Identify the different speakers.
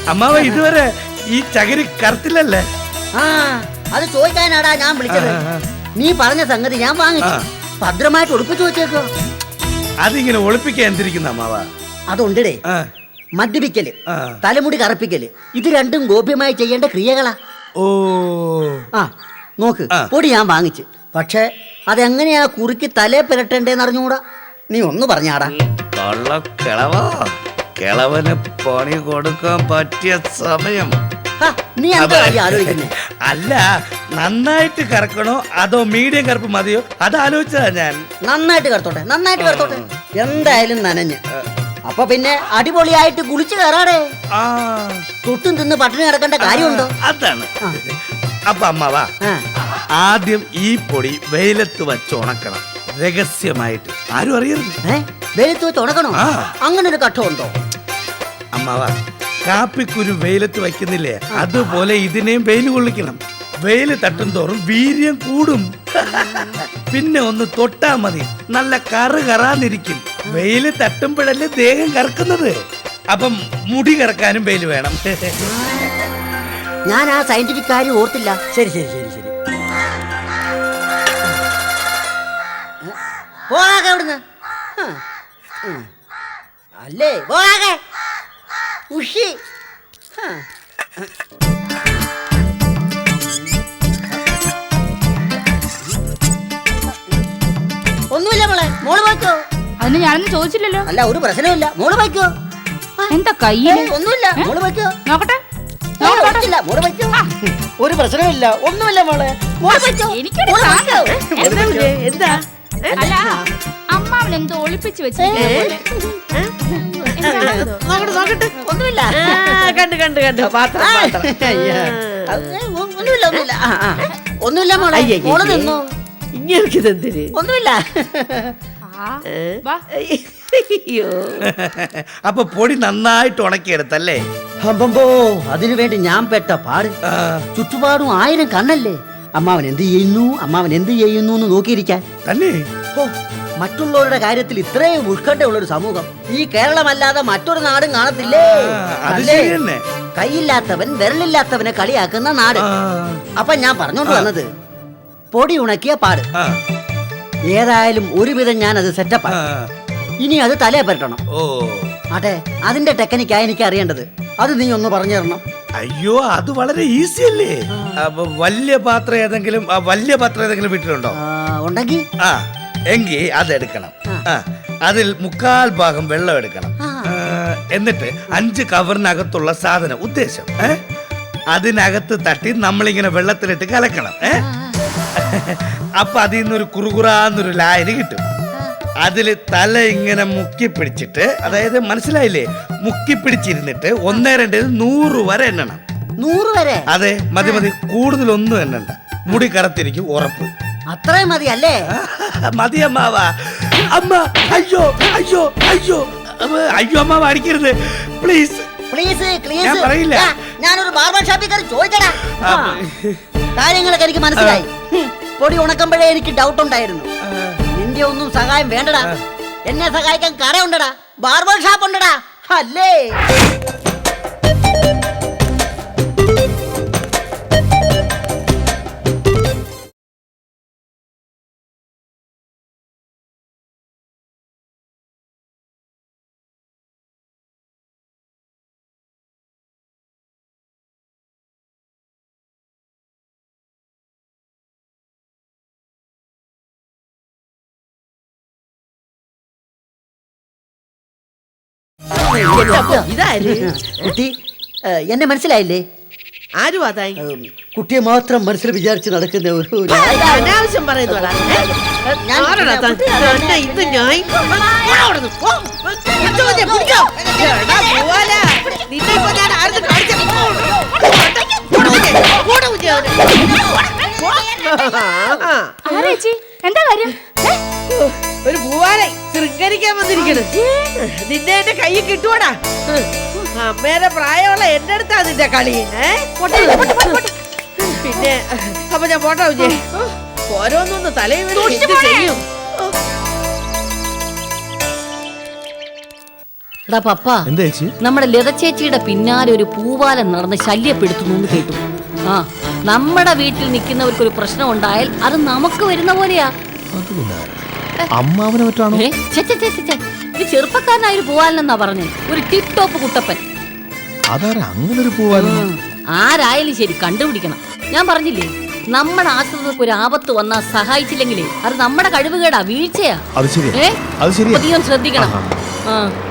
Speaker 1: അമ്മാവ ഇതുവരെ ഈ ചകിരി കറുത്തില്ലല്ലേ?
Speaker 2: ആ അത് ചോദിക്കാനാടാ ഞാൻ വിളിച്ചത്. നീ പറഞ്ഞ സംഗതി ഞാൻ വാങ്ങിച്ചു, ഭദ്രമായിട്ട് ഒളിപ്പിച്ചു വെച്ചേക്കോ.
Speaker 1: അതിങ്ങനെ ഒളിപ്പിക്കാൻ എന്തിരിക്കുന്ന അമ്മാവ?
Speaker 2: അതുണ്ടേ, മദ്യപിക്കല്, തലമുടി കറുപ്പിക്കല്, ഇത് രണ്ടും ഗോപ്യമായി ചെയ്യേണ്ട ക്രിയകളാ.
Speaker 1: ഓ
Speaker 2: ആ നോക്ക്, പൊടി ഞാൻ വാങ്ങിച്ചു, പക്ഷെ അതെങ്ങനെയാ കുറുക്കി തലേ പുരട്ടേണ്ടേന്ന് അറിഞ്ഞൂടാ. നീ ഒന്ന് പറഞ്ഞാടാ.
Speaker 1: കിളവന് പണി കൊടുക്കാൻ പറ്റിയ സമയം.
Speaker 2: നീ എന്താ ആലോചിക്കുന്നേ?
Speaker 1: അല്ല, നന്നായിട്ട് കറക്കണോ അതോ മീഡിയം കറുപ്പ് മതിയോ അത് ആലോചിച്ചതാ ഞാൻ.
Speaker 2: നന്നായിട്ട് കറുത്തോട്ടെ, നന്നായിട്ട് കറുത്തോട്ടെ. എന്തായാലും നനഞ്ഞ് അപ്പൊ പിന്നെ അടിപൊളിയായിട്ട് കുളിച്ചു കയറാടേ. തൊട്ടും തിന്ന് പട്ടിണി കിടക്കേണ്ട കാര്യമുണ്ടോ?
Speaker 1: അതാണ്. അപ്പൊ അമ്മാവാ, ആദ്യം ഈ പൊടി വെയിലത്ത് വെച്ച് ഉണക്കണം, രഹസ്യമായിട്ട്, ആരും അറിയരുത്.
Speaker 2: വെയിലത്ത് വെച്ച് ഉണക്കണോ? അങ്ങനെ ഒരു ഘട്ടമുണ്ടോ?
Speaker 1: അമ്മാവാ, കാപ്പിക്കുരു വെയിലത്ത് വയ്ക്കുന്നില്ലേ, അതുപോലെ ഇതിനെയും വെയിൽ കൊള്ളിക്കണം. വെയില് തട്ടും തോറും വീര്യം കൂടും. പിന്നെ ഒന്ന് തൊട്ടാ മതി, നല്ല കറാന്നിരിക്കും. വെയില് തട്ടുമ്പോഴല്ലേ ദേഹം കറക്കുന്നത്. അപ്പം മുടി കറക്കാനും വെയില് വേണം.
Speaker 2: ഞാൻ ആ സയന്റിഫിക് കാര്യം ഓർത്തില്ല. ശരി ശരി ശരി ശരി, പോകാതെ അവിടുന്ന്. അല്ലേ പോകാതെ ഉഷി. ഒന്നുമില്ല മോളെ, മോള് പോയിക്കോ.
Speaker 3: അതിന് ഞാനൊന്നും ചോദിച്ചില്ലല്ലോ.
Speaker 2: അല്ല, ഒരു പ്രശ്നമില്ല, മോള് പോയിക്കോ.
Speaker 3: എന്താ കയ്യില്?
Speaker 2: ഒന്നുമില്ല, മോള് പോയിക്കോ.
Speaker 3: നോക്കട്ടെ,
Speaker 2: മോള് പോയിക്കോ. ഒരു പ്രശ്നമില്ല, ഒന്നുമില്ല മോളെ, മോള് പോയിക്കോ.
Speaker 3: എന്താ? അല്ല, അമ്മാവൻ എന്തോ ഒളിപ്പിച്ചു വെച്ചിരിക്കുന്നു.
Speaker 2: ഒന്നുമില്ല, ഒന്നുമില്ല മോളെ, മോള് നിന്നോ. ഒന്നുമില്ല.
Speaker 1: അപ്പൊ പൊടി നന്നായിട്ട് ഉണക്കിയെടുത്തല്ലേ?
Speaker 2: അമ്പോ, അതിനു വേണ്ടി ഞാൻ പെട്ട പാട്. ചുറ്റുപാടും 1000 കണ്ണല്ലേ. അമ്മാവൻ എന്ത് ചെയ്യുന്നു, അമ്മാവൻ എന്ത് ചെയ്യുന്നു എന്ന് നോക്കിയിരിക്കാൻ
Speaker 1: തന്നെ.
Speaker 2: ഓ, മറ്റുള്ളവരുടെ കാര്യത്തിൽ ഇത്രയും ഉത്കണ്ഠയുള്ളൊരു സമൂഹം ഈ കേരളമല്ലാതെ മറ്റൊരു നാടും കാണത്തില്ലേ. കൈയില്ലാത്തവൻ വിരലില്ലാത്തവനെ കളിയാക്കുന്ന നാട്. അപ്പൊ ഞാൻ പറഞ്ഞോണ്ട് വന്നത്, പൊടി ഉണക്കിയ പാട്. ഏതായാലും ഒരുവിധം ഞാൻ അത് സെറ്റപ്പ്. ഇനി അത് തലേ പരട്ടണം. അതെ, അതിന്റെ ടെക്നിക്കായി എനിക്ക് അറിയേണ്ടത്. അത് നീ ഒന്ന് പറഞ്ഞു തരണം.
Speaker 1: അയ്യോ, അത് വളരെ ഈസി അല്ലേ. വലിയ പാത്രം ഏതെങ്കിലും വീട്ടിലുണ്ടോ?
Speaker 2: ഉണ്ടെങ്കിൽ
Speaker 1: എങ്കിൽ അതെടുക്കണം. അതിൽ 1/4 ഭാഗം വെള്ളം എടുക്കണം. എന്നിട്ട് 5 കവറിനകത്തുള്ള സാധനം, ഉദ്ദേശം അതിനകത്ത് തട്ടി നമ്മളിങ്ങനെ വെള്ളത്തിലിട്ട് കലക്കണം. അപ്പൊ അതിൽ നിന്നൊരു കുറുകുറാന്നൊരു ലായനി കിട്ടും. അതില് തല ഇങ്ങനെ മുക്കി പിടിച്ചിട്ട്, അതായത് മനസ്സിലായില്ലേ, മുക്കി പിടിച്ചിരുന്നിട്ട് 1, 2, 100 വരെ എണ്ണണം.
Speaker 2: 100 വരെ?
Speaker 1: അതെ, മതി മതി, കൂടുതലൊന്നും എണ്ണണ്ട. മുടി കറുത്തിരിക്കും, ഉറപ്പ്.
Speaker 2: അത്രയും മതി അല്ലേ?
Speaker 1: മതി അമ്മാവാ. അമ്മ, അയ്യോ അയ്യോ അയ്യോ അയ്യോ, അമ്മാവ അടിക്കരുത് പ്ലീസ്. ഞാൻ പറയില്ല.
Speaker 2: ഞാനൊരു ബാർബർ ഷോപ്പിൽ കയറി ചോദിച്ചടാ, കാര്യങ്ങളൊക്കെ എനിക്ക് മനസ്സിലായി. പൊടി ഉണക്കുമ്പോഴേ എനിക്ക് ഡൗട്ട് ഉണ്ടായിരുന്നു. നിന്റെ ഒന്നും സഹായം വേണ്ടടാ, എന്നെ സഹായിക്കാൻ കടയുണ്ടടാ, ബാർബർ ഷോപ്പ് ഉണ്ടടാ, അല്ലേ? കുട്ടി, എന്നെ മനസ്സിലായില്ലേ?
Speaker 4: ആരും അതായി
Speaker 2: കുട്ടിയെ മാത്രം മനസ്സിൽ വിചാരിച്ച് നടക്കുന്ന ഒരു
Speaker 4: അനാവശ്യം പറയുന്നോടാ.
Speaker 3: എന്താ കാര്യം?
Speaker 4: ഒരു പൂവാലെ ശൃംഗരിക്കാൻ വന്നിരിക്കണ്. നിന്നെ എന്റെ കയ്യിൽ കിട്ടുവാടാ. അമ്മേടെ പ്രായമുള്ള എന്റെ അടുത്താ നിന്റെ കളി. പിന്നെ അപ്പൊ ഞാൻ പോട്ടാ വിജയ്. ഓരോന്നൊന്ന് തലയിൽ വീണ് ചെയ്യും.
Speaker 2: എടാ പപ്പ,
Speaker 5: എന്താ ചേച്ചി?
Speaker 2: നമ്മുടെ ലത ചേച്ചിയുടെ പിന്നാലെ ഒരു പൂവാലൻ നടന്ന് ശല്യപ്പെടുത്തുന്നു എന്ന് കേട്ടു. ആ, നമ്മുടെ വീട്ടിൽ നിൽക്കുന്നവർക്ക് ഒരു പ്രശ്നം ഉണ്ടായാൽ അത് നമുക്ക് വരുന്ന പോലെയാ.
Speaker 5: അമ്മാവനെ പറ്റാണോ?
Speaker 2: ഏ, ഛെ, ഛെ, ഛെ, ഛെ, ഛെ. ഇത് ചെറുപ്പക്കാരനായ ഒരു പൂവാലനെന്നാ പറഞ്ഞു. ഒരു ടിപ് ടോപ്പ് കുട്ടപ്പൻ.
Speaker 5: അതാരാ അങ്ങനെ ഒരു പൂവാലൻ?
Speaker 2: ആരായാലും ശരി കണ്ടുപിടിക്കണം. ഞാൻ പറഞ്ഞില്ലേ, നമ്മുടെ ആശ്രിതർക്ക് ഒരു ആപത്ത് വന്നാൽ സഹായിച്ചില്ലെങ്കിലേ അത് നമ്മുടെ കഴിവുകേടാ, വീഴ്ചയാ.
Speaker 5: അത് ശരിയാ,
Speaker 2: ഏ,
Speaker 5: അത് ശരിയാ.
Speaker 2: അധികം ശ്രദ്ധിക്കണം.
Speaker 5: ആഹാ.
Speaker 2: ആ